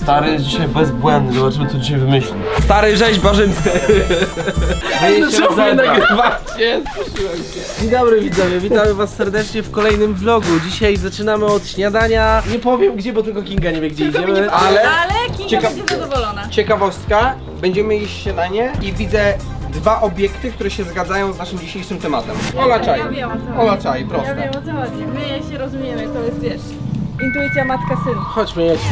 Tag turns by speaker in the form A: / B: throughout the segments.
A: Stary jest dzisiaj bezbłędny, zobaczymy co dzisiaj wymyśli.
B: Stary rzeźbarzyńcy.
A: Co wy nagrywacie?
B: Dzień dobry widzowie, witamy was serdecznie w kolejnym vlogu. Dzisiaj zaczynamy od śniadania. Nie powiem gdzie, bo tylko Kinga nie wie gdzie idziemy.
C: Ale
D: Kinga
C: Ciekaw-
D: będzie zadowolona.
C: ciekawostka, będziemy jeść śniadanie i widzę dwa obiekty, które się zgadzają z naszym dzisiejszym tematem. Ola czaj.
D: Ja wiem, o co chodzi.
C: Ola czaj,
D: Ja
C: proste.
D: wiem o co chodzi. My się rozumiemy, to jest wiesz. Intuicja matka-syn.
B: Chodźmy, jedźmy.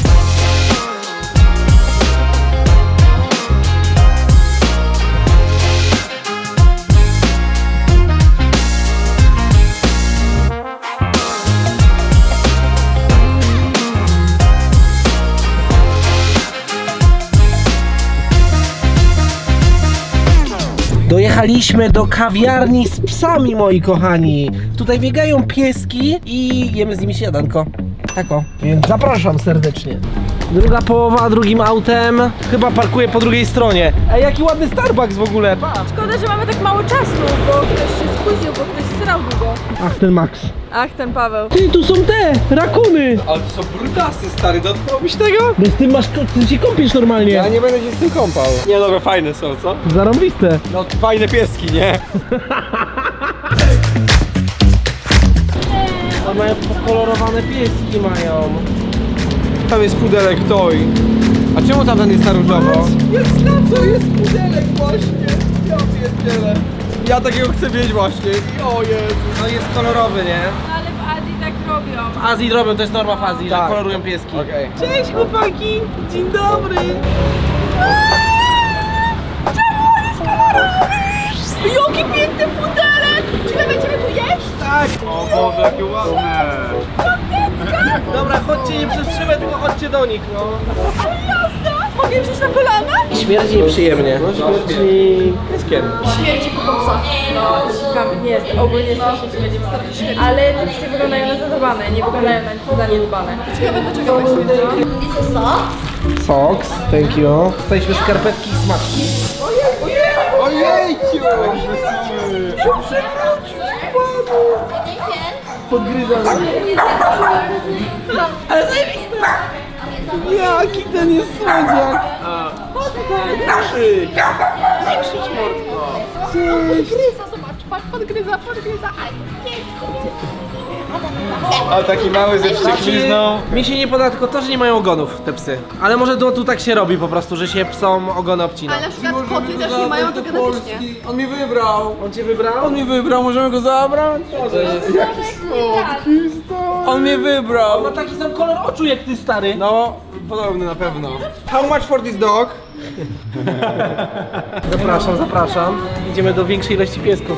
B: Dojechaliśmy do kawiarni z psami, moi kochani. Tutaj biegają pieski i jemy z nimi śniadanko. Tak o, więc zapraszam serdecznie. Druga połowa drugim autem. Chyba parkuję po drugiej stronie. Ej, jaki ładny Starbucks w ogóle, patrz.
D: Szkoda, że mamy tak mało czasu, bo ktoś się spóźnił, bo ktoś srał długo.
B: Ach, ten Max.
D: Ach, ten Paweł.
B: Ty, tu są te rakuny.
C: Ale to są brutasy, stary, dotknąłbyś tego?
B: No z tym masz, ty się kąpiesz normalnie.
C: Ja nie będę się z tym kąpał. Nie, dobra, fajne są, co?
B: Zarąbiste.
C: No, fajne pieski, nie?
B: A mają pokolorowane pieski mają.
C: Tam jest pudelek toy. A czemu tamten jest na różowo? Jest na co? Jest pudelek właśnie. Ja pierdzielę. Ja takiego chcę mieć właśnie. O Jezu.
B: No jest kolorowy, nie?
D: Ale w Azji tak robią.
B: W Azji robią, to jest norma w Azji,
C: Tak.
B: że kolorują pieski.
C: Okej.
B: Cześć chłopaki! Dzień dobry!
D: Jaki piękny pudelek! Czy my będziemy tu jeść?
B: Tak!
E: O Boże, jakie ładne!
B: Dobra, chodźcie nie przez szybę, tylko chodźcie do nich, no.
D: Ale jazda! Mogę wziąć na kolana?
B: Śmierdzi nieprzyjemnie. No, śmierdzi pieskiem.
D: Śmierci kupowca. No, nie jest, ogólnie strasznie śmierdzi, wystarczy śmierci. Ale te psy wyglądają na zadbane, nie wyglądają na zaniedbane. Ciekawe dlaczego tak śmierdzi.
B: Socks, thank you. Dostaliśmy skarpetki i smaczki.
C: Ojejciu!
B: Podgryzam. Ale zajebiste! Jaki ten jest słodziak!
D: Podgryza, zobacz, patrz, podgryza.
C: A taki mały ze wścieklizną.
B: Mi się nie podoba tylko to, że nie mają ogonów te psy. Ale może tu tak się robi po prostu, że się psom ogony obcina.
D: Ale na przykład koty też nie mają to genetycznie.
C: On mi wybrał.
B: On cię wybrał?
C: On mi wybrał, możemy go zabrać? On mnie wybrał.
B: Ma taki sam kolor oczu jak ty, stary.
C: No, podobny na pewno. How much for this dog?
B: Zapraszam, zapraszam. Idziemy do większej ilości piesków.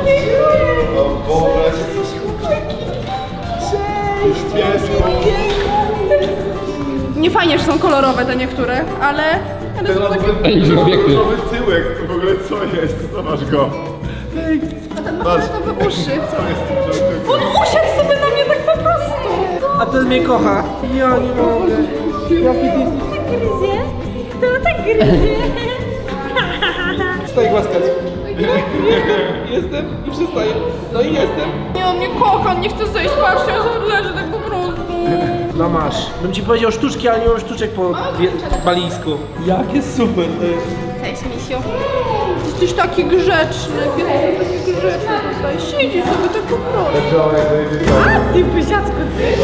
D: Nie fajnie, że są kolorowe te niektóre, ale...
E: Nowy tyłek, w ogóle co jest? Zobacz go.
D: A ten ma fioletowe uszy. On usiadł sobie na mnie tak po prostu.
B: A ten mnie kocha. Ja nie mogę. Jaki ty...
D: Gryzie? Kto tak gryzie?
C: Przestaję głaskać. Jestem i przestaję. No i jestem.
D: Nie, on mnie kocha, on nie chce zejść, patrzcie, on leży tak po prostu.
B: No masz. Bym ci powiedział sztuczki, ale nie mam sztuczek po balijsku. Jakie super to jest.
D: Cześć, misiu. Jesteś taki grzeczny, piesek taki grzeczny tutaj. Siedzi sobie tak po prostu. A ty, pysiacku, ty.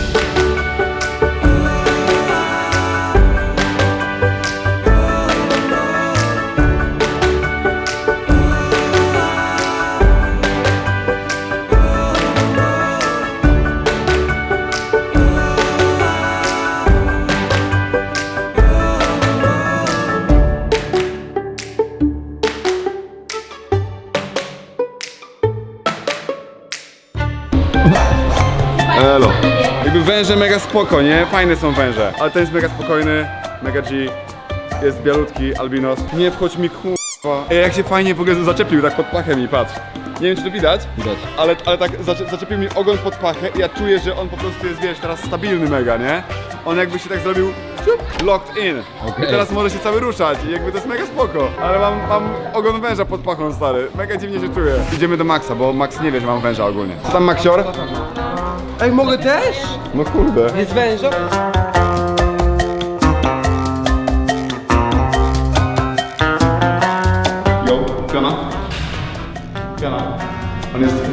E: Elo. Jakby węże mega spoko, nie? Fajne są węże. Ale ten jest mega spokojny, mega G. Jest bialutki, albinos. Nie wchodź mi k***a. Ej, jak się fajnie w ogóle zaczepił tak pod pachę mi, patrz. Nie wiem czy to widać, ale tak zaczepił mi ogon pod pachę i ja czuję, że on po prostu jest, wiesz, teraz stabilny mega, nie? On jakby się tak zrobił locked in. I teraz może się cały ruszać i jakby to jest mega spoko. Ale mam ogon węża pod pachą, stary. Mega dziwnie się czuję. Idziemy do Maxa, bo Max nie wie, że mam węża ogólnie. Co tam, Maxior?
C: Ej, mogę też?
E: No kurde.
C: Jest węża?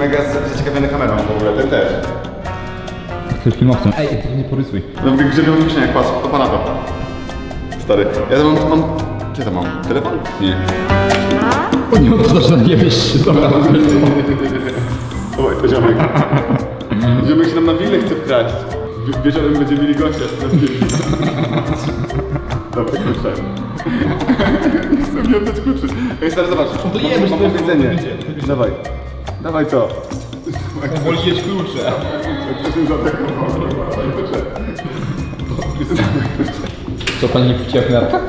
E: mega zaciekawiony kamerą w ogóle, ten też.
C: Jesteś filmowcem. Ej, ty nie porysuj.
E: No mówię, grzebią w kieszeniach, patrz, to pana to. Stary, ja to mam... Gdzie to mam? Telefon? Nie.
C: Nie oddasz na nie wiesz, dobra.
E: Oj, to ziomek. Ziomek się nam na willę chce wkraść. Wieczorem będziemy mieli gościa. Dobra, klucze. Chcę mi oddać kluczy. Ej, stary, zobacz.
C: To jemy,
E: mam jedzenie. Dawaj. Dawaj to.
C: Woli jeść klucze. Co pani wciął w narkach?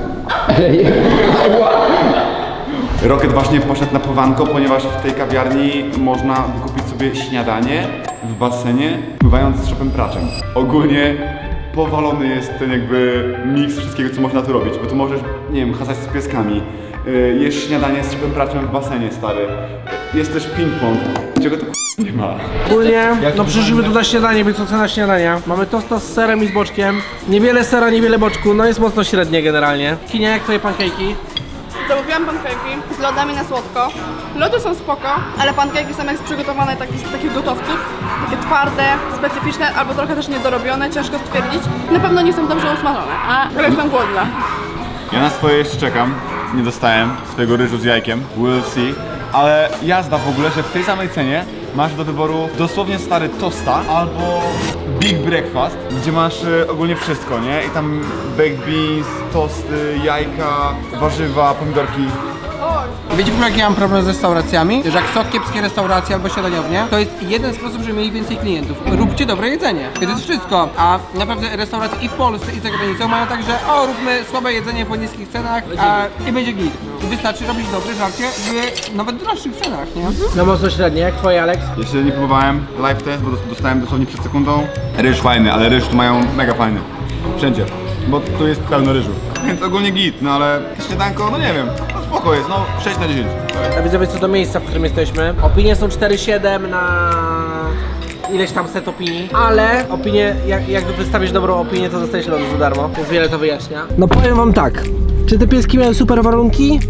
E: Rocket właśnie poszedł na powanko, ponieważ w tej kawiarni można wykupić sobie śniadanie w basenie, pływając z szopem praczem. Ogólnie powalony jest ten jakby miks wszystkiego, co można tu robić, bo tu możesz, nie wiem, hasać z pieskami, jesz śniadanie z szopem praczem w basenie, stary. Jest też ping-pong, czego tu nie ma.
B: Ogólnie, no przyszliśmy tu na śniadanie, więc ocena śniadania. Mamy tosta z serem i z boczkiem. Niewiele sera, niewiele boczku, no jest mocno średnie generalnie. Kinia, jak twoje pankejki?
D: Zamówiłam pankejki z lodami na słodko. Lody są spoko, ale pankejki są jak przygotowane z takich gotowców. Takie twarde, specyficzne, albo trochę też niedorobione, ciężko stwierdzić. Na pewno nie są dobrze usmażone, ale jestem głodna.
E: Ja na swoje jeszcze czekam, nie dostałem swojego ryżu z jajkiem, we'll see. Ale jazda w ogóle, że w tej samej cenie masz do wyboru dosłownie stary tosta albo big breakfast, gdzie masz ogólnie wszystko, nie? I tam baked beans, tosty, jajka, warzywa, pomidorki.
F: Wiecie, jaki ja mam problem z restauracjami? Że jak są kiepskie restauracje albo śniadaniownie, to jest jeden sposób, żeby mieli więcej klientów. Róbcie dobre jedzenie. To jest wszystko. A naprawdę restauracje i w Polsce, i za granicą mają tak, że róbmy słabe jedzenie po niskich cenach i będzie git. Wystarczy robić dobre żarcie w nawet droższych cenach, nie?
B: No mocno średnie, jak twoje, Alex?
E: Jeszcze nie próbowałem live test, bo dostałem dosłownie przed sekundą. Ryż fajny, ale ryż tu mają mega fajny. Wszędzie. Bo tu jest pełno ryżu. Więc ogólnie git, no ale śniadanko, no nie wiem. No spoko jest, no 6 na 10.
B: A widzowie, co do miejsca, w którym jesteśmy. Opinie są 4,7 na ileś tam set opinii, ale opinie, jak wystawisz dobrą opinię, to dostajesz lody za darmo, więc wiele to wyjaśnia. No powiem wam tak, czy te pieski miały super warunki?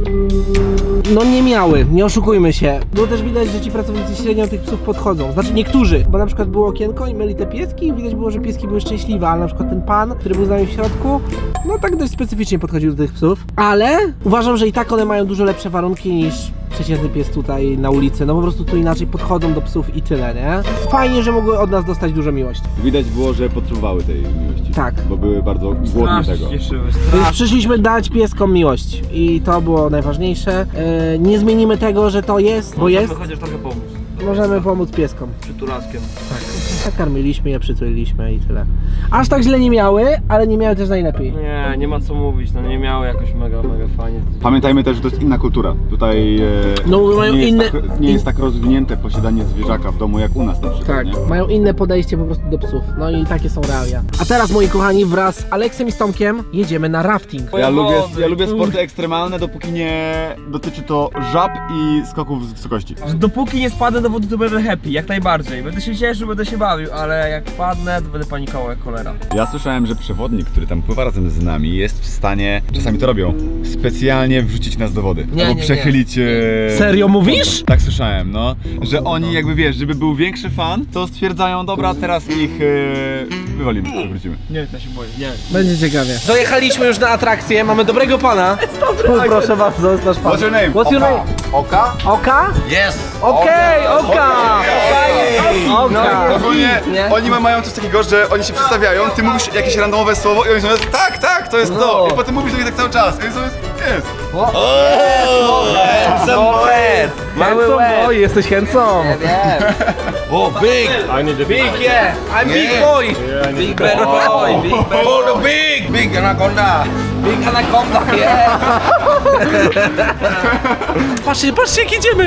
B: No nie miały, nie oszukujmy się. Było też widać, że ci pracownicy średnio tych psów podchodzą. Znaczy niektórzy, bo na przykład było okienko i myli te pieski i widać było, że pieski były szczęśliwe, ale na przykład ten pan, który był z nami w środku, no tak dość specyficznie podchodził do tych psów. Ale uważam, że i tak one mają dużo lepsze warunki niż przeciętny pies tutaj na ulicy, no po prostu tu inaczej podchodzą do psów i tyle, nie? Fajnie, że mogły od nas dostać dużo miłości.
E: Widać było, że potrzebowały tej miłości.
B: Tak.
E: Bo były bardzo głodne tego.
B: Więc przyszliśmy dać pieskom miłość i to było najważniejsze. Nie zmienimy tego, że to jest, bo jest.
A: Chociaż trochę pomóc.
B: Możemy pomóc pieskom.
A: Przytulaskiem.
B: Nakarmiliśmy je, przytuliliśmy i tyle. Aż tak źle nie miały, ale nie miały też najlepiej.
A: Nie ma co mówić, no nie miało jakoś mega fajnie.
E: Pamiętajmy też, że to jest inna kultura. Tutaj
B: No, mają
E: nie, jest
B: inne-
E: nie jest tak rozwinięte posiadanie zwierzaka w domu jak u nas na przykład.
B: Tak,
E: Nie?
B: mają inne podejście po prostu do psów. No i takie są realia. A teraz, moi kochani, wraz z Aleksem i z Tomkiem jedziemy na rafting.
E: Ja lubię sporty ekstremalne, dopóki nie dotyczy to żab i skoków z wysokości.
A: Że dopóki nie spadnę do wody, to będę happy, jak najbardziej. Będę się cieszył, będę się bawił, ale jak padnę, to będę panikował jak cholera.
E: Ja słyszałem, że przewodnik, który tam pływa razem z nami, jest w stanie, czasami to robią, specjalnie wrzucić nas do wody. Albo przechylić...
B: Serio mówisz?
E: Tak słyszałem, no. Że oni jakby, wiesz, żeby był większy fan, to stwierdzają, dobra, teraz ich wywalimy, wrócimy.
A: Nie, ja się boję, nie.
B: Będzie ciekawie. Dojechaliśmy już na atrakcję, mamy dobrego pana. Proszę bardzo, jest nasz pan.
E: What's your name?
B: What's your name?
E: Oka?
B: Oka?
E: Yes!
B: Okej, Oka! Oka!
E: Ogólnie
B: Nie?
E: oni mają coś takiego, że oni się przedstawiają, ty mówisz jakieś randomowe słowo i oni są tak, to jest to. I potem mówisz do nich tak cały czas. I oni są, jest.
B: Mały boy, jesteś handsome.
G: Oh, big!
A: I need a
B: Big, yeah. I'm big boy.
G: Big better boy! Big better. Oh, the big! Big anaconda!
B: Big anaconda, yeah. Patrzcie jak jedziemy.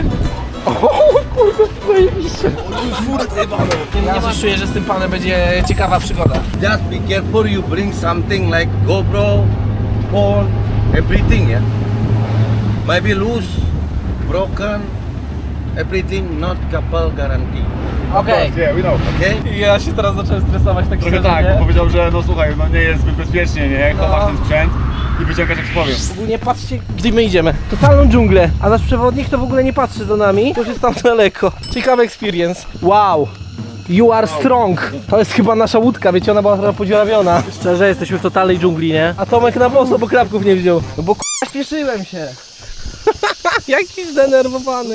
B: Ja coś czuję, że z tym panem będzie ciekawa przygoda.
G: Just be careful, you bring something like GoPro, phone, everything, yeah? Maybe loose, broken, everything, not couple guarantee.
B: Okej.
E: Yeah, we know.
G: Okay?
A: Ja się teraz zacząłem stresować tak
E: Trochę tak, bo powiedział, że no słuchaj, no nie jest zbyt bezpiecznie, nie? Chowasz ten sprzęt. i wyciągać jak powiem.
B: Ogólnie patrzcie, gdzie my idziemy. Totalną dżunglę. A nasz przewodnik to w ogóle nie patrzy za nami, bo już jest tam daleko. Ciekawy experience. Wow. You are strong. To jest chyba nasza łódka, wiecie, ona była trochę podziurawiona. Szczerze, jesteśmy w totalnej dżungli, nie? A Tomek na boso, bo klapków nie wziął. No bo k***a śpieszyłem się. Jaki zdenerwowany.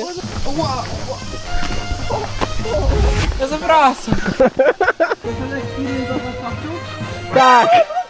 A: Ja zawracam.
B: Tak.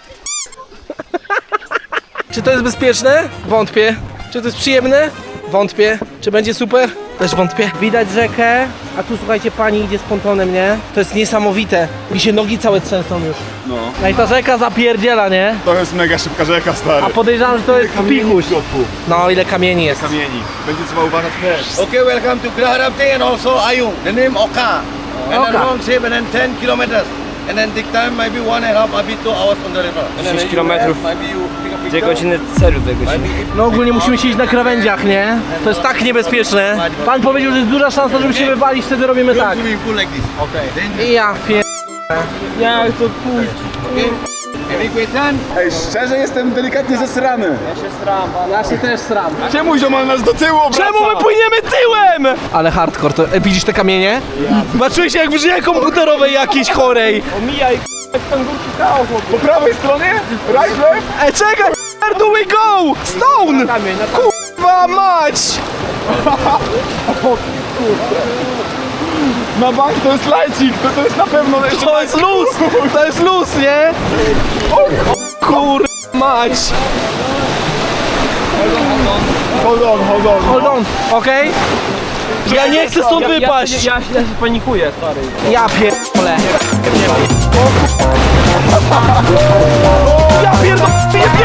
B: Czy to jest bezpieczne? Wątpię. Czy to jest przyjemne? Wątpię. Czy będzie super? Też wątpię. Widać rzekę, a tu słuchajcie, pani idzie z pontonem, nie? To jest niesamowite. Mi się nogi całe trzęsą już.
E: No.
B: No i ta rzeka zapierdziela, nie?
E: To jest mega szybka rzeka, stary.
B: A podejrzewam, że to jest pichuś. No ile kamieni jest.
E: Kamieni. Będzie trzeba uważać też.
G: Okay, welcome to Graharapti and also Ayung. The name Oka. And then
B: Oka.
G: long shape and then 10 kilometers. And then take time maybe 1.5 maybe 2 hours on the river. And then
A: 10
G: you
A: kilometrów.
G: have maybe you pick a
A: 2
G: picture.
A: godziny celu 2 godziny.
B: No ogólnie musimy siedzieć na krawędziach, nie? To jest tak niebezpieczne. Pan powiedział, że jest duża szansa, żeby się wywalić, wtedy robimy tak.
G: Swimming pool like this. Okay. Then
B: I ja pier...
A: Ja chcę pójść.
G: any question?
E: Ej, szczerze jestem delikatnie zesrany.
B: Ja się też sram.
E: Czemu ziomal nas do tyłu obraca?
B: Czemu my płyniemy tyłem? Ale hardcore, to widzisz te kamienie? Zobaczyłeś jak w grze komputerowej jakiejś chorej.
A: Omijaj, tam górki chaos.
E: Po prawej stronie? Right, left?
B: Ej, czekaj, where do we go? Stone! Kurwa mać!
E: Na bank to jest lajcik, to jest na pewno jeszcze
B: To jest luz! To jest luz, nie? Kurwa mać!
E: Hold on.
B: Hold on, okej? Ja nie chcę stąd wypaść!
A: Ja się panikuję, stary.
B: Ja pierdolę! Ja pierdolę!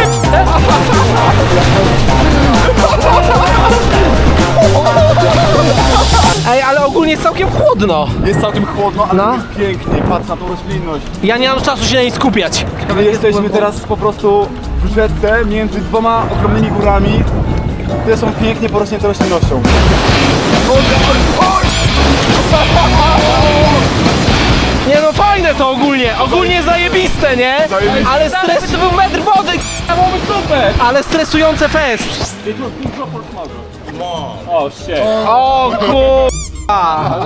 B: Ej, ale ogólnie jest całkiem chłodno.
E: Jest całkiem chłodno, ale
B: No.
E: jest pięknie, patrz na tą roślinność.
B: Ja nie mam czasu się na niej skupiać.
E: My jesteśmy teraz po prostu w rzece między dwoma ogromnymi górami, które są pięknie porośnięte roślinnością.
B: Nie no, fajne to ogólnie zajebiste, nie?
E: Zajebiste.
B: Ale stres...
A: To był metr wody, byłoby super.
B: Ale stresujące fest.
A: O, shit.
B: O kurwa.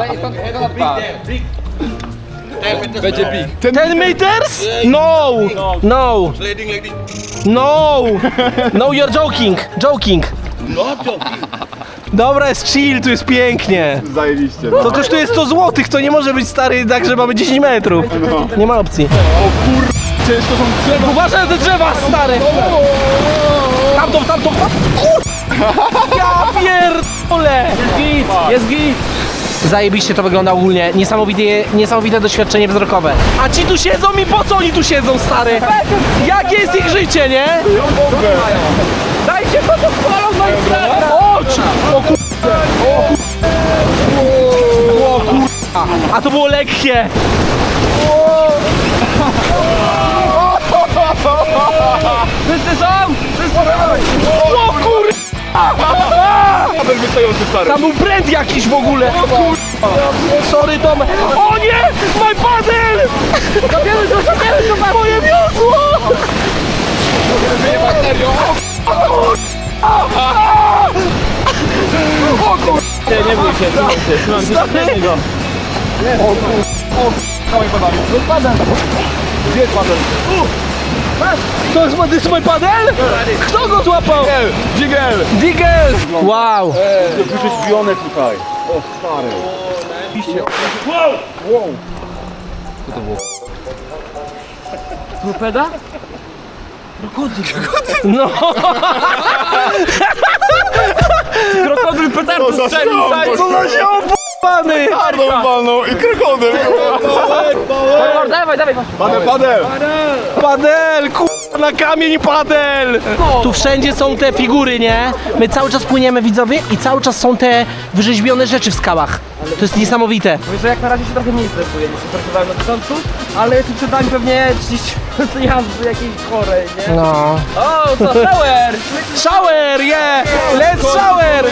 A: Będzie big.
B: 10 meters? No! No!
G: Sliding like this.
B: No! No, you're joking.
G: Not joking.
B: Dobra, jest chill, tu jest pięknie.
E: Zajebiście.
B: To kosztuje 100 zł, to nie może być stary tak, że mamy 10 metrów. Nie ma opcji.
E: Przecież to są drzewa.
B: Uważaj na te drzewa, stary! Tamtą! Kur... Ja pierdolę! Jest git! Zajebiście to wygląda ogólnie, niesamowite doświadczenie wzrokowe. A ci tu siedzą i po co oni tu siedzą, stary? Jakie jest ich życie, nie? Dajcie to chwalą na Instagram! Ocz! O kur... O kur... A to było lekkie!
A: Wszyscy są?
B: O kur...
E: Kabel wystający, stary.
B: Tam był brand jakiś w ogóle! O kur... Sorry, Tomek! O nie! My paddle! Zabierz to! Moje wiosło!
A: Nie bój się,
B: Stary!
E: Gdzie jest padel?
B: To jest mój paddle? Kto go złapał?
E: Jigel!
B: Digel! Wow!
E: Wyrzeźbione tutaj. O, stary.
A: Torpeda?
B: No!
A: Krokodyl petardo strzelił, stary.
B: Co za się opłany!
E: Twardą walną i krokodyl.
A: Dawaj.
E: Padel.
B: Padel! Na kamień padel! Tu wszędzie są te figury, nie? My cały czas płyniemy, widzowie, i cały czas są te wyrzeźbione rzeczy w skałach. To jest niesamowite.
A: Mówię, że jak na razie się trochę mniej stresuję niż się stresowałem na początku, ale tu przed nami pewnie 30 jazdy jakiejś chorej, nie?
B: No.
A: O, co, shower!
B: Shower, yeah! Let's shower!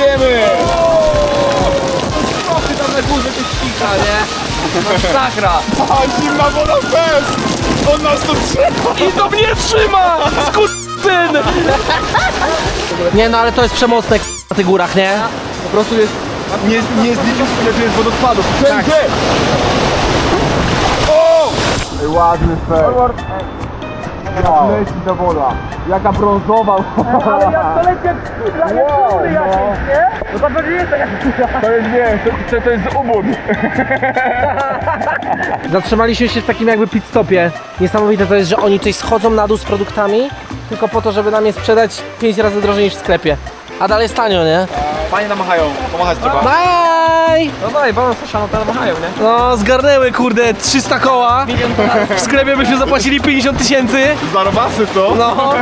A: Trochę tam na górze coś ścika, nie? Masakra!
E: A zimna woda fest! On nas tu trzyma!
B: I to mnie trzyma! Skurczyn! Nie no, ale to jest przemocne na tych górach, nie?
E: Po prostu jest, nie zliczył, ile tu jest wodospadów. Wszędzie! O! Ej, ładny fej. Jak leci ta woda. Jaka brązowa. Ale jak to leci jak skrzydła, jak króly jakieś, nie? No to pewnie jest tak. To jest, nie, to jest ubór.
B: Zatrzymaliśmy się w takim jakby pit stopie. Niesamowite to jest, że oni tutaj schodzą na dół z produktami tylko po to, żeby nam je sprzedać 5 razy drożej niż w sklepie. A dalej jest tanio, nie?
E: Fajnie namachają, pomachać trzeba.
B: Bye!
A: No dalej, balon słyszano, to machają, nie?
B: No, zgarnęły kurde 300 koła. W sklepie byśmy zapłacili 50 tysięcy.
E: Zarobasy to?
B: No.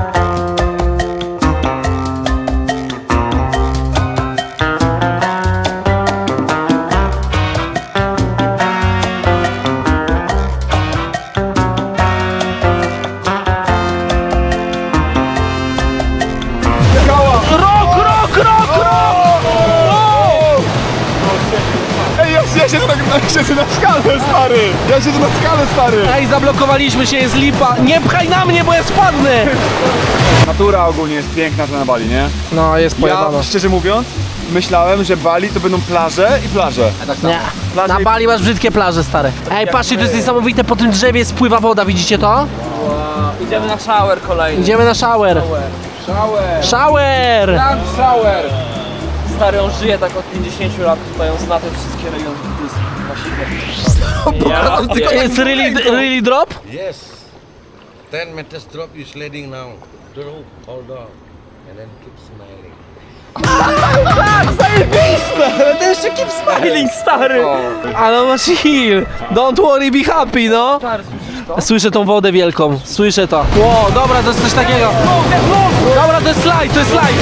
E: Ej, ja siedzę na skale, stary! Ja siedzę na skale, stary!
B: Ej, zablokowaliśmy się, jest lipa. Nie pchaj na mnie, bo ja spadnę.
E: Natura ogólnie jest piękna tu na Bali, nie?
B: No, jest pojebano.
E: Ja, szczerze mówiąc, myślałem, że Bali to będą plaże i plaże.
B: Nie.
E: Plaże
B: Na
E: i-
B: Bali masz brzydkie plaże, stare. Ej, patrzcie, to jest niesamowite, po tym drzewie spływa woda, widzicie to?
A: Idziemy na shower kolejny.
B: Idziemy na shower. Shower!
A: Shower! Stary, on żyje tak od 50 lat, tutaj on zna te wszystkie rejony. To jest
B: It's really drop?
G: Yes. 10 meters drop, you sledding now. Drop, hold on. And then keep smiling.
A: smiling, stary!
B: Ale masz heal. Don't worry, be happy, no. Słyszę tą wodę wielką, słyszę to. Ło, dobra, to jest coś takiego. Dobra, to jest slajd, to jest slajd.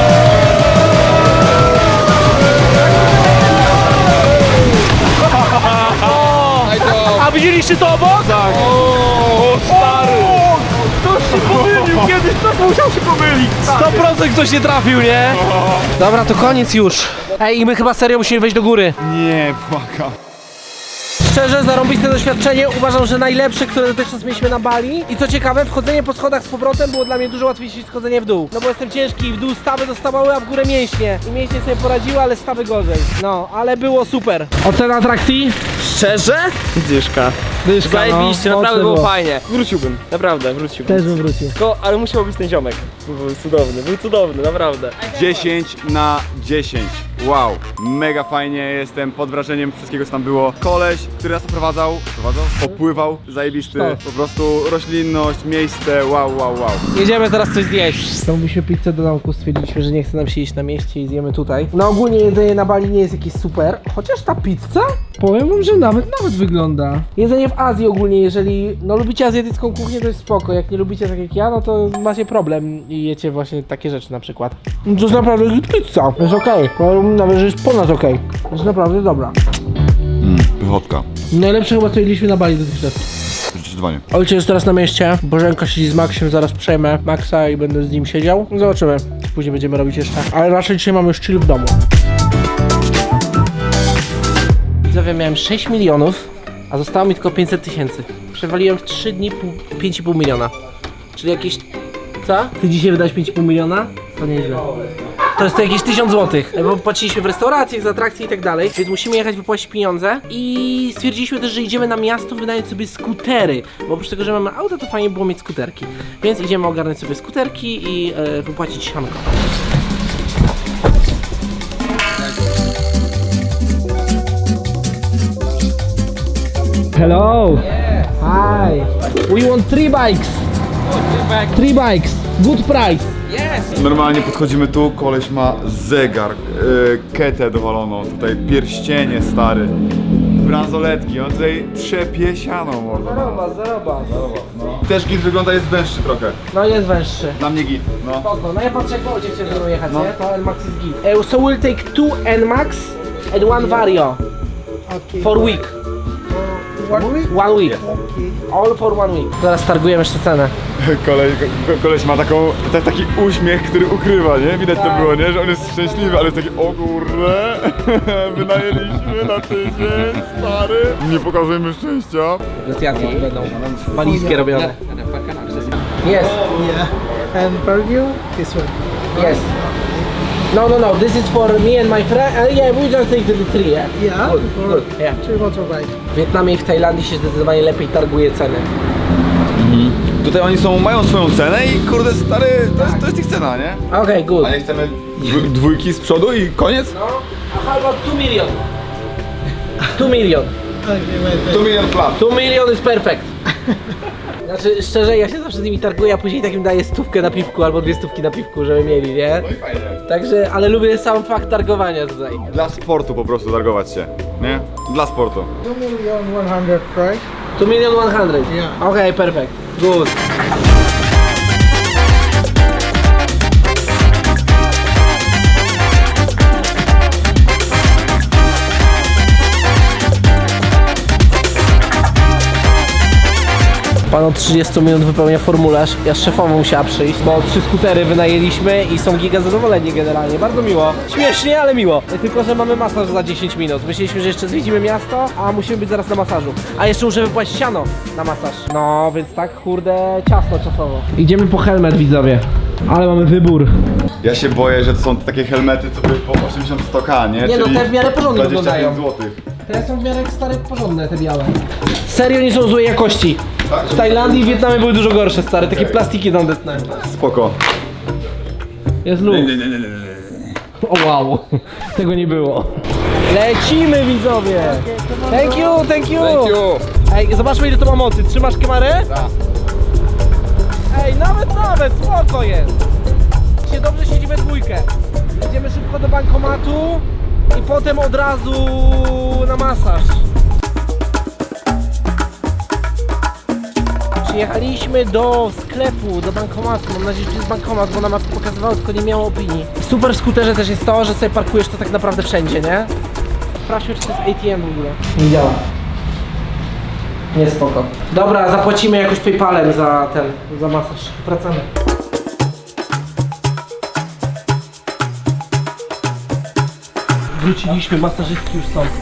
B: A widzieliście to obok? Tak.
E: O, stary!
A: Ktoś się pomylił, kiedyś ktoś musiał się pomylić!
B: 100% ktoś nie trafił, nie? Dobra, to koniec już. Ej, i my chyba serio musimy wejść do góry.
E: Nie, błagam.
B: Szczerze, zarąbiste doświadczenie. Uważam, że najlepsze, które dotychczas mieliśmy na Bali. I co ciekawe, wchodzenie po schodach z powrotem było dla mnie dużo łatwiejsze niż schodzenie w dół. No bo jestem ciężki i w dół stawy dostawały, a w górę mięśnie. I mięśnie sobie poradziły, ale stawy gorzej. No, ale było super. Ocena atrakcji?
A: Szczerze? Dyszka. Zajebiście,
B: no,
A: naprawdę
B: mocne
A: było
B: było.
A: fajnie. Wróciłbym, naprawdę wróciłbym.
B: Też bym wrócił.
A: Tylko, ale musiał być ten ziomek. Był cudowny, naprawdę.
E: 10 na 10. Wow, mega fajnie, jestem pod wrażeniem wszystkiego, co tam było. Koleś, który nas oprowadzał, opływał, zajebisty. Po prostu roślinność, miejsce, wow.
B: Jedziemy teraz coś zjeść. Zamówiliśmy pizzę do domku, stwierdziliśmy, że nie chce nam się iść na mieście i zjemy tutaj. No ogólnie jedzenie na Bali nie jest jakieś super, chociaż ta pizza, powiem wam, że nawet wygląda. Jedzenie w Azji ogólnie, jeżeli lubicie azjatycką kuchnię, to jest spoko. Jak nie lubicie tak jak ja, no to macie problem i jecie właśnie takie rzeczy na przykład. No to jest naprawdę pizza, jest okej. Powiem nawet, że jest ponad okej. Jest naprawdę dobra.
E: Pychotka,
B: Najlepsze chyba co jedliśmy na Bali dotychczas.
E: zdecydowanie.
B: Ojciec jest teraz na mieście, Bożenka siedzi z Maxiem, zaraz przejmę Maxa i będę z nim siedział. Zobaczymy, co później będziemy robić jeszcze. Ale raczej dzisiaj mamy już chill w domu. Widzowie, miałem 6 milionów, a zostało mi tylko 500 tysięcy. Przewaliłem w 3 dni 5,5 miliona. Czyli jakieś... Co? Ty dzisiaj wydałeś 5,5 miliona? To nieźle. To jest to jakieś 1000 zł, bo płaciliśmy w restauracjach, za atrakcje i tak dalej, więc musimy jechać wypłacić pieniądze i stwierdziliśmy też, że idziemy na miasto wynająć sobie skutery, bo oprócz tego, że mamy auto, to fajnie było mieć skuterki, więc idziemy ogarnąć sobie skuterki i wypłacić sianko. Hello! Hi! We want 3 bikes! 3 bikes! Good price!
E: Normalnie podchodzimy tu, koleś ma zegar, ketę dowaloną, tutaj pierścienie stary, bransoletki, on tutaj trzepie siano może.
B: Zaroba.
E: Też git wygląda, jest węższy trochę,
B: No jest węższy.
E: dla mnie git, no.
B: Spoko, no ja patrzę jak Wojciech chciał ze mną jechać, nie? To NMAX jest git. So we'll take 2 NMAX and 1 Vario. For week. 1 week. All for 1 week. Zaraz targujemy jeszcze cenę.
E: Koleś ma taki uśmiech, który ukrywa, nie? Widać to było, nie? Że on jest szczęśliwy, ale jest taki, o kurde, wynajęliśmy na tydzień, stary. Nie pokazujemy szczęścia.
B: Negocjacje będą. Walizkie robione. Yes.
H: Yeah. And for you, this one.
B: Yes. No. This is for me and my friend. Yeah, we just take the tree. Yeah.
H: Yeah.
B: Good. Yeah.
H: 3 motorbike.
B: W Wietnamie i w Tajlandii się zdecydowanie lepiej targuje ceny.
E: Tutaj oni mają swoją cenę i kurde stary, to jest ich cena, nie?
B: Okay, good.
E: A nie chcemy dwójki z przodu i koniec?
B: No. How about 2 million? 2 million.
H: Okay, wait.
E: 2 million flat.
B: 2 million is perfect. Znaczy, szczerze, ja się zawsze z nimi targuję, a później takim daję 100 na piwku albo 2 na piwku, żeby mieli, nie?
E: No i fajnie.
B: Także, ale lubię sam fakt targowania tutaj.
E: Dla sportu po prostu targować się, nie? Dla sportu.
H: 2,100,000 price.
B: 2 million 100.
H: Yeah.
B: Okay, perfect. Good. Pan od 30 minut wypełnia formularz. Ja z szefową musiała przyjść, bo 3 skutery wynajęliśmy i są giga zadowoleni generalnie. Bardzo miło. Śmiesznie, ale miło. Tylko, że mamy masaż za 10 minut. Myśleliśmy, że jeszcze zwiedzimy miasto, a musimy być zaraz na masażu. A jeszcze muszę wypłacić siano na masaż. No, więc tak, kurde, ciasno czasowo. Idziemy po helmet, widzowie. Ale mamy wybór.
E: Ja się boję, że to są takie helmety, co by po 80-100k, nie?
B: Nie no,
E: Czyli
B: te w miarę porządnie
E: 25
B: wyglądają.
E: złotych.
B: Te są w miarę stare, porządne, te białe. Serio nie są złej jakości.
E: Tak?
B: W Tajlandii i Wietnamie były dużo gorsze, stare, takie plastiki tandetne.
E: Spoko.
B: Jest luz. O wow, tego nie było. Lecimy, widzowie! Thank you, thank you!
E: Thank you.
B: Ej, zobaczmy ile to ma mocy. Trzymasz kamerę? Tak. Ej, nawet, spoko jest. Dzisiaj dobrze siedzi we dwójkę. Idziemy szybko do bankomatu i potem od razu na masaż. Przyjechaliśmy do sklepu, do bankomatu. Mam nadzieję, że to jest bankomat, bo nam pokazywało, tylko nie miało opinii. Super w skuterze też jest to, że sobie parkujesz to tak naprawdę wszędzie, nie? Sprawdźmy, czy to jest ATM w ogóle. Nie działa. Nie, spoko. Dobra, zapłacimy jakoś PayPalem za masaż. Wracamy. Wróciliśmy, masażystki już są.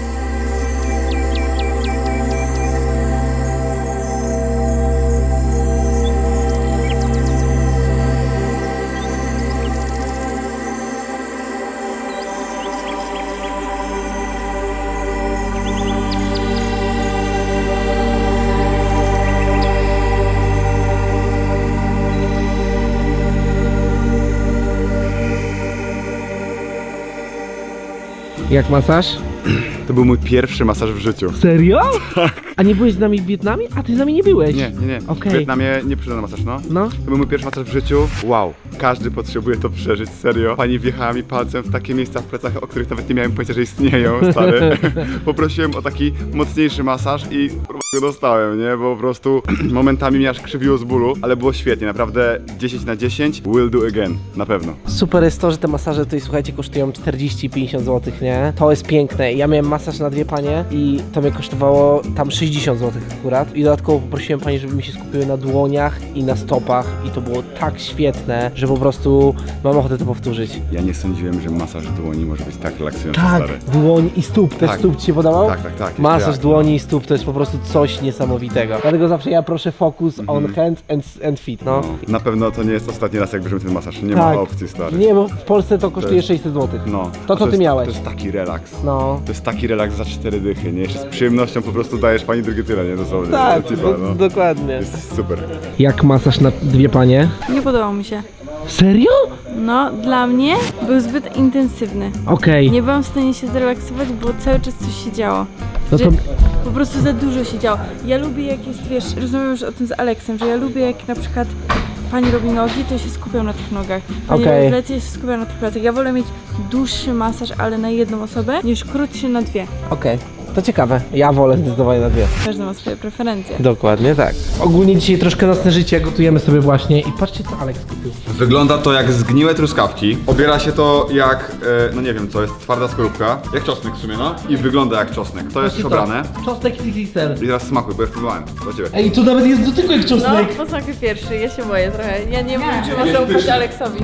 B: Jak masaż?
E: To był mój pierwszy masaż w życiu.
B: Serio? Tak. A nie byłeś z nami w Wietnamie? A ty z nami nie byłeś?
E: Nie.
B: Okej.
E: W Wietnamie nie przyszedłem na masaż, no.
B: No.
E: To był mój pierwszy masaż w życiu. Wow. Każdy potrzebuje to przeżyć, serio. Pani wjechała mi palcem w takie miejsca w plecach, o których nawet nie miałem pojęcia, że istnieją, stary. Poprosiłem o taki mocniejszy masaż i go dostałem, nie? Bo po prostu momentami mnie aż krzywiło z bólu, ale było świetnie, naprawdę 10 na 10. Will do again, na pewno.
B: Super jest to, że te masaże tutaj, słuchajcie, kosztują 40-50 zł, nie? To jest piękne. Ja miałem masaż na 2 panie i to mnie kosztowało tam 60 zł akurat. I dodatkowo poprosiłem pani, żeby mi się skupiły na dłoniach i na stopach i to było tak świetne, że po prostu mam ochotę to powtórzyć.
E: Ja nie sądziłem, że masaż dłoni może być tak relaksujący,
B: Tak,
E: stary.
B: dłoń i stóp. Też
E: Tak.
B: stóp ci się podobał?
E: Tak.
B: Masaż
E: jeszcze
B: dłoni i stóp to jest po prostu coś niesamowitego. Dlatego zawsze ja proszę focus on hands and feet, no.
E: No, na pewno to nie jest ostatni raz, jak bierzemy ten masaż. Nie
B: Tak.
E: ma opcji, stary.
B: Nie, bo w Polsce to kosztuje
E: jest-
B: 600 zł.
E: No.
B: To,
E: A
B: co ty
E: jest,
B: miałeś.
E: To jest taki relaks.
B: No.
E: To jest taki relaks za 4 dychy, nie? Jeszcze z przyjemnością po prostu dajesz pani drugie tyle, nie? Dosłownie.
B: Tak,
E: Tipa, no.
B: dokładnie.
E: Jest super.
B: Jak masaż na 2 panie?
I: Nie podobał mi się.
B: Serio?
I: No, dla mnie był zbyt intensywny.
B: Okej.
I: Nie byłam w stanie się zrelaksować, bo cały czas coś się działo.
B: No
I: Że
B: to
I: po prostu za dużo się działo. Ja lubię jak jest, wiesz, rozmawiam już o tym z Aleksem, że ja lubię jak na przykład pani robi nogi, to się skupiam na tych nogach. Pani
B: Okej.
I: robi plecy, ja się skupiam na tych plecach. Ja wolę mieć dłuższy masaż, ale na jedną osobę, niż krótszy na 2.
B: okej. To ciekawe. Ja wolę zdecydowanie na 2.
I: Każdy ma swoje preferencje.
B: Dokładnie tak. Ogólnie dzisiaj troszkę nocne życie gotujemy sobie właśnie i patrzcie co Aleks kupił.
E: Wygląda to jak zgniłe truskawki. Obiera się to jak, no nie wiem co, jest twarda skorupka. Jak czosnek w sumie, no. I wygląda jak czosnek. To jest już obrane.
B: Czosnek XXL.
E: I teraz smakuj, bo ja próbowałem. Do ciebie.
B: Ej, tu nawet jest dotyku jak
I: No,
B: czosnek.
I: posmakuj pierwszy, ja się boję trochę. Ja nie wiem, czy można ufać Aleksowi.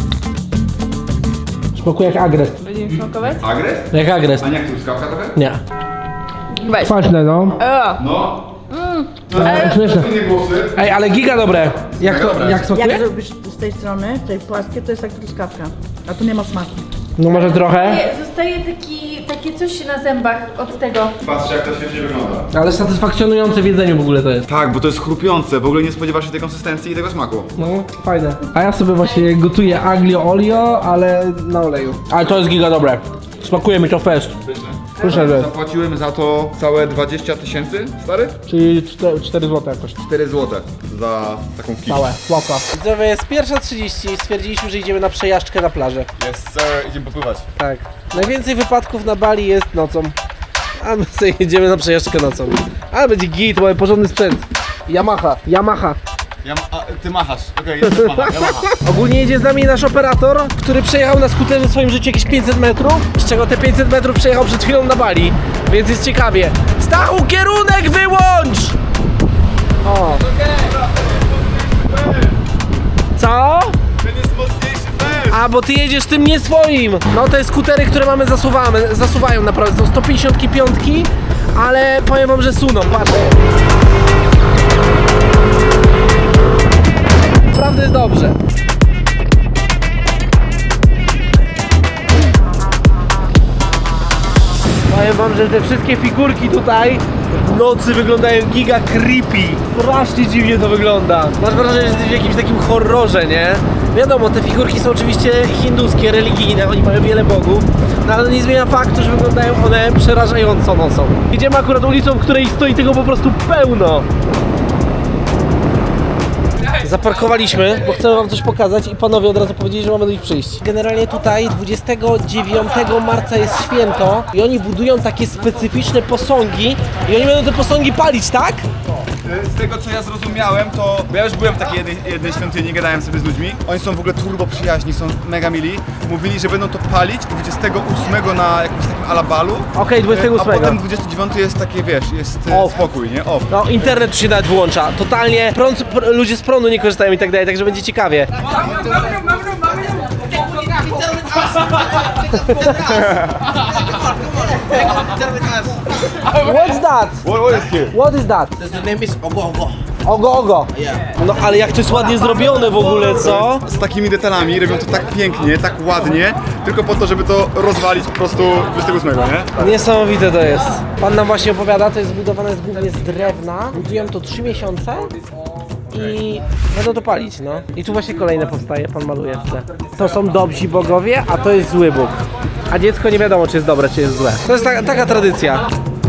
B: Smakuje jak agres.
I: Będziemy smakować?
E: Agres?
B: Jak agres.
E: A nie jak truskawka trochę?
B: Nie.
I: Weź.
B: Kwaśne no.
E: No.
B: Śmieszne.
E: Inne głosy.
B: Ej, ale giga dobre. Jak to, jak
J: Jak
B: smakuje?
J: zrobisz z tej strony, tej płaskie, to jest jak truskawka. A tu nie ma smaku.
B: No może trochę,
I: Nie, zostaje takie coś na zębach od tego.
E: Patrzcie jak to świetnie wygląda.
B: ale satysfakcjonujące w jedzeniu w ogóle to jest.
E: Tak, bo to jest chrupiące, w ogóle nie spodziewasz się tej konsystencji i tego smaku.
B: No, fajne. A ja sobie właśnie gotuję aglio olio, ale na oleju. Ale to jest giga dobre. Smakuje mi to fest. Proszę, że.
E: Zapłaciłem za to całe 20 000, stary?
B: Czyli 4 zł jakoś.
E: 4 zł za taką kisz.
B: Całe, łaka. Widzowie, jest 1:30, stwierdziliśmy, że idziemy na przejażdżkę na plażę.
E: Jest sir, idziemy popływać.
B: Tak. Najwięcej wypadków na Bali jest nocą. A my sobie jedziemy na przejażdżkę nocą. Ale będzie git, mamy porządny sprzęt. Yamaha.
E: Ty machasz, okej, jest macha, ja macham.
B: Ogólnie jedzie z nami nasz operator, który przejechał na skuterze w swoim życiu jakieś 500 metrów, z czego te 500 metrów przejechał przed chwilą na Bali, więc jest ciekawie. Stachu, kierunek wyłącz! O. Co?
E: Ten jest mocniejszy fest.
B: A, bo ty jedziesz tym nie swoim. No te skutery, które mamy zasuwają naprawdę, są 155, ale powiem wam, że suną, patrzcie. Naprawdę jest dobrze. Powiem wam, że te wszystkie figurki tutaj w nocy wyglądają giga creepy. Strasznie dziwnie to wygląda. Masz wrażenie, że jesteś w jakimś takim horrorze, nie? Wiadomo, te figurki są oczywiście hinduskie, religijne, oni mają wiele bogów, no ale nie zmienia faktu, że wyglądają one przerażająco nocą. Idziemy akurat ulicą, w której stoi tego po prostu pełno. Zaparkowaliśmy, bo chcemy wam coś pokazać i panowie od razu powiedzieli, że mamy do nich przyjść. Generalnie tutaj 29 marca jest święto i oni budują takie specyficzne posągi i oni będą te posągi palić, tak?
E: Z tego co ja zrozumiałem, to bo ja już byłem w takiej jednej świątyni, gadałem sobie z ludźmi. Oni są w ogóle turbo przyjaźni, są mega mili. Mówili, że będą to palić 28 na jakimś takim alabalu.
B: Okej, 28.
E: A potem 29 jest takie, wiesz, jest
B: Off.
E: spokój, nie? Off.
B: No, internet tu się nawet włącza. Totalnie ludzie z prądu nie korzystają i tak dalej, także będzie ciekawie. What's that?
E: What is here?
B: What is that?
G: The name is Ogo Ogo.
B: Ogo, ogo. No ale jak to jest ładnie zrobione w ogóle, co?
E: Z takimi detalami robią to tak pięknie, tak ładnie, tylko po to, żeby to rozwalić po prostu 28, nie?
B: Niesamowite to jest. Pan nam właśnie opowiada, to jest zbudowane głównie z drewna. Budują to 3 miesiące i będą to palić, no. I tu właśnie kolejne powstaje, pan maluje w tle. To są dobrzy bogowie, a to jest zły Bóg. A dziecko nie wiadomo, czy jest dobre, czy jest złe. To jest taka tradycja.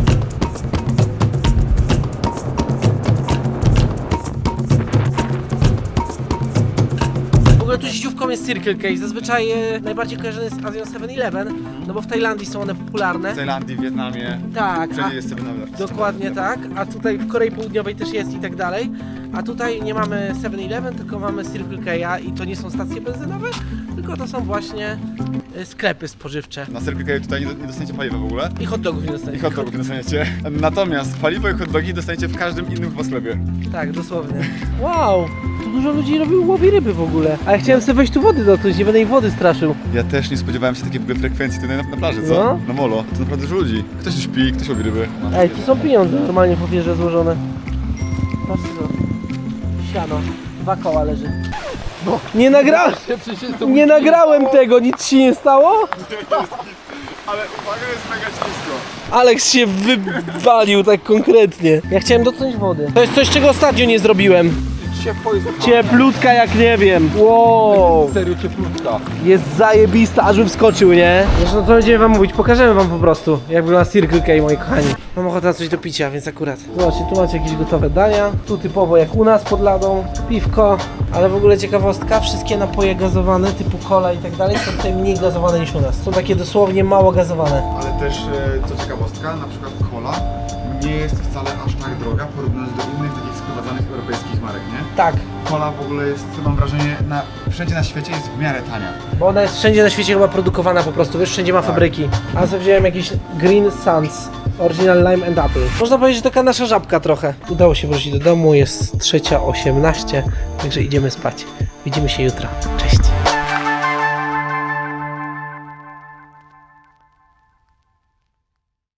B: W ogóle tu sieciówką jest Circle K. Zazwyczaj najbardziej kojarzony jest z Azją 7-Eleven, no bo w Tajlandii są one popularne.
E: W Tajlandii, w Wietnamie,
B: Tak,
E: wszędzie jest 7-Eleven.
B: dokładnie tak, a tutaj w Korei Południowej też jest i tak dalej. A tutaj nie mamy 7-Eleven, tylko mamy Circle K i to nie są stacje benzynowe, tylko to są właśnie sklepy spożywcze.
E: Na Circle K tutaj nie dostaniecie paliwa w ogóle.
B: I hot dogów nie
E: I
B: dostaniemy.
E: hot dogów nie dostaniecie. Natomiast paliwo i hot dogi dostaniecie w każdym innym chyba sklepie.
B: Tak, dosłownie. Wow, tu dużo ludzi łowi ryby w ogóle. A ja chciałem sobie wejść tu wody dotknąć, nie będę ich wody straszył.
E: Ja też nie spodziewałem się takiej w ogóle frekwencji tutaj na plaży, co?
B: No.
E: Na molo. To naprawdę dużo ludzi. Ktoś tu śpi, ktoś łowi ryby. No.
B: Ej, tu są pieniądze normalnie po wieże złożone. Patrzcie to. Siano. 2 koła leży. Nie nagrałem! Nie nagrałem tego, nic ci nie stało?
E: Ale uwaga, jest mega ślisko.
B: Alex się wywalił tak konkretnie. Ja chciałem dotknąć wody. To jest coś, czego ostatnio nie zrobiłem. Cieplutka jak nie wiem. Wow.
E: Serio cieplutka.
B: Jest zajebista, aż bym wskoczył, nie? Zresztą co będziemy wam mówić? Pokażemy wam po prostu, jak wygląda Circle K, moi kochani. Mam ochotę na coś do picia, więc akurat. Zobaczcie, tu macie jakieś gotowe dania. Tu typowo jak u nas pod ladą. Piwko. Ale w ogóle ciekawostka, wszystkie napoje gazowane typu cola i tak dalej są tutaj mniej gazowane niż u nas. Są takie dosłownie mało gazowane.
E: Ale też, co ciekawostka, na przykład cola nie jest wcale aż tak droga porównując do innych takich sprowadzanych europejskich marek, nie?
B: Tak,
E: Cola w ogóle jest, mam wrażenie, wszędzie na świecie jest w miarę tania.
B: bo ona jest wszędzie na świecie chyba produkowana po prostu, wiesz, wszędzie ma fabryki. A sobie wziąłem jakiś Green Suns, Original Lime and Apple. Można powiedzieć, że taka nasza żabka trochę. Udało się wrócić do domu, jest 3:18, także idziemy spać. Widzimy się jutro. Cześć!